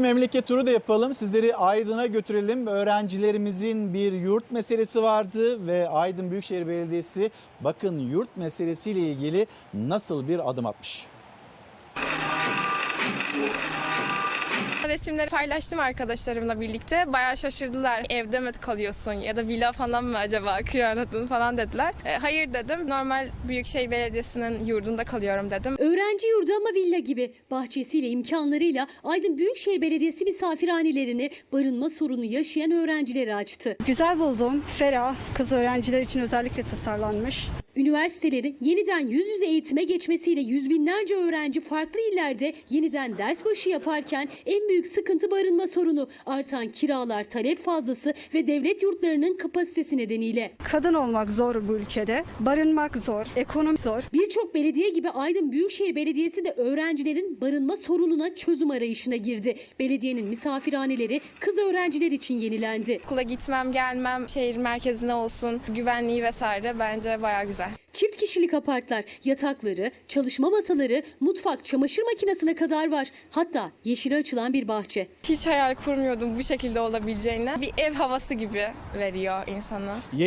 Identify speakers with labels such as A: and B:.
A: memleket turu da yapalım. Sizleri Aydın'a götürelim. Öğrencilerimizin bir yurt meselesi vardı ve Aydın Büyükşehir Belediyesi bakın yurt meselesiyle ilgili nasıl bir adım atmış.
B: Resimleri paylaştım arkadaşlarımla birlikte. Bayağı şaşırdılar. Evde mi kalıyorsun ya da villa falan mı acaba kiraladın falan dediler. Hayır dedim. Normal Büyükşehir Belediyesi'nin yurdunda kalıyorum dedim.
C: Öğrenci yurdu ama villa gibi. Bahçesiyle, imkanlarıyla Aydın Büyükşehir Belediyesi misafirhanelerini barınma sorunu yaşayan öğrencilere açtı.
D: Güzel buldum. Ferah. Kız öğrenciler için özellikle tasarlanmış.
C: Üniversitelerin yeniden yüz yüze eğitime geçmesiyle yüz binlerce öğrenci farklı illerde yeniden ders başı yaparken en büyük sıkıntı barınma sorunu. Artan kiralar, talep fazlası ve devlet yurtlarının kapasitesi nedeniyle.
D: Kadın olmak zor bu ülkede. Barınmak zor. Ekonomi zor.
C: Birçok belediye gibi Aydın Büyükşehir Belediyesi de öğrencilerin barınma sorununa çözüm arayışına girdi. Belediyenin misafirhaneleri kız öğrenciler için yenilendi.
B: Okula gitmem, gelmem, şehir merkezine olsun, güvenliği vesaire bence bayağı güzel.
C: Çift kişilik apartlar, yatakları, çalışma masaları, mutfak, çamaşır makinesine kadar var. Hatta yeşile açılan bir bahçe.
B: Hiç hayal kurmuyordum bu şekilde olabileceğini. Bir ev havası gibi veriyor insana.